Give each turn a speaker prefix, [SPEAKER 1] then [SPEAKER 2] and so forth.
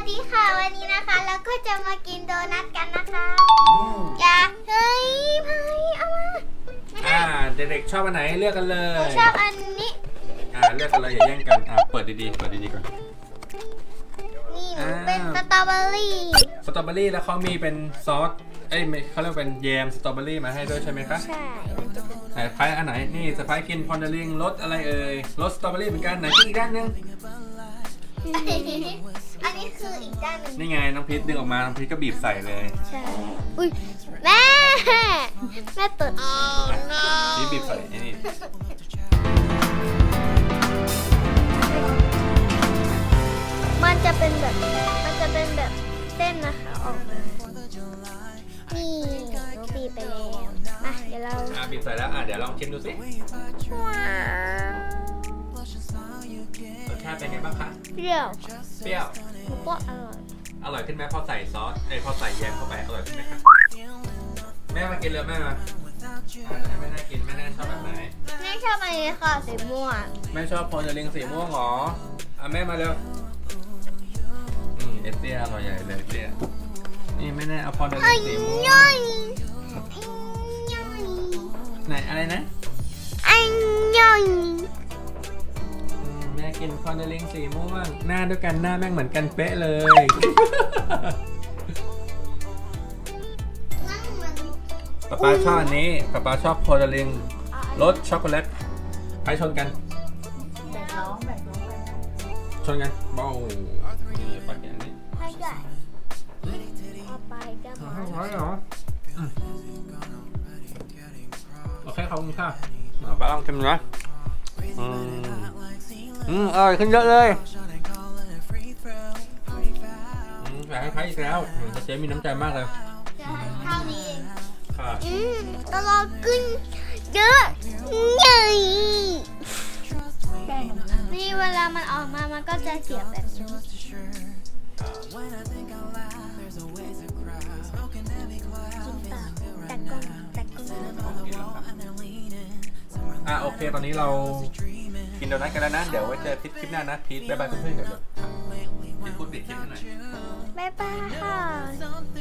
[SPEAKER 1] ดีค่ะวันนี้นะคะเราก็จะมากินโดนัทกันนะคะอยากเฮ้ยพายเอามา
[SPEAKER 2] เด็กๆชอบอันไหนเลือกกันเล
[SPEAKER 1] หนู
[SPEAKER 2] ย
[SPEAKER 1] ชอบอันนี้
[SPEAKER 2] เลือกกันเลยอย่าแย่งกันเปิดดีๆก่อน
[SPEAKER 1] นี่หนูเป็นสตรอเบอรี่
[SPEAKER 2] สตรอเบอรี่แล้วเขามีเป็นซอสเขาเรียกเป็นแยมสตรอเบอรี่มาให้ด้วยใช่ไหมคะ
[SPEAKER 1] ใช่
[SPEAKER 2] ไหนพายอันไหนนี่สไปกินพอนเดลิงรสอะไรเอ่ยรสสตรอเบอรี่เหมือนกันไหนกินอีกด้านนึง
[SPEAKER 1] อันนี้คืออีกด้านหนึ่ง
[SPEAKER 2] นี่ไงน้องพีทดึงออกมาน้องพีทก็บีบใส่เลย
[SPEAKER 1] ใช่อุ้ยแม่เปิด
[SPEAKER 2] พีทบีบใส่นี่
[SPEAKER 1] มันจะเป็นแบบเส้นนะคะออกมานี่หนูบีบไปแล้วมาเดี๋ยวเรา
[SPEAKER 2] บีบใส่แล้วเดี๋ยวลองชิมดูสิ
[SPEAKER 1] ว้าว
[SPEAKER 2] รสชาติเป็นไงบ้างคะ
[SPEAKER 1] เปรี้ยว
[SPEAKER 2] เปรี้ยว
[SPEAKER 1] หนูก็อร่อย
[SPEAKER 2] อร่อยขึ้นไหมพอใส่ซอสพอใส่แยมเข้าไปอร่อยขึ้นไหมคะแม่มากินเลยแม่มาไม่น่ากินไม่น่าชอบแบบไหน
[SPEAKER 1] แม่ชอบอันนี้ค่ะสีม่วง
[SPEAKER 2] แม่ชอบพอนเดลิงสีม่วงหรอแม่มาเร็วเอเตี้ยอร่อยใหญ่เลยเอเตี้ยนี่ไม่แน่เอาพอนเดลิงสีม่วง
[SPEAKER 1] ย่อย
[SPEAKER 2] ไหนอะไรนะ
[SPEAKER 1] อันย่อย
[SPEAKER 2] แม่กินพอนเดลิงสีม่วงหน้าด้วยกันหน้าแม่งเหมือนกันเป๊ะเลย ป๊าชอบอันนี้ป๊าชอบพอนเดลิงรสช็อกโกแลตไปชนกันแบ่งน้องไปชนกันเบ้านี่ปักอย่างนี้
[SPEAKER 1] ให้ด้วยเอาไปก็มา
[SPEAKER 2] ร้อยเหรอโอเคขอบคุณค่ะป้าลองชิมนะอร่อยขึ้นเยอะเลยอยากให้ใครอีกแล้วเจ๊มีน้ำใจมากเลย
[SPEAKER 1] เท่านี้
[SPEAKER 2] ค่ะ
[SPEAKER 1] ตลอดขึ้นเยอะใหญ่นี่เวลามันออกมามันก็จะเสียบแบบนี้
[SPEAKER 2] โอเคตอนนี้เรากินโดนัทกันแล้วนะเดี๋ยวไว้เจอคลิปหน้านะพีทบ๊ายบายเพื่อนๆเดี๋ยวพีทพูดปิดคลิปให้หน่อย
[SPEAKER 1] บ๊ายบายค่ะ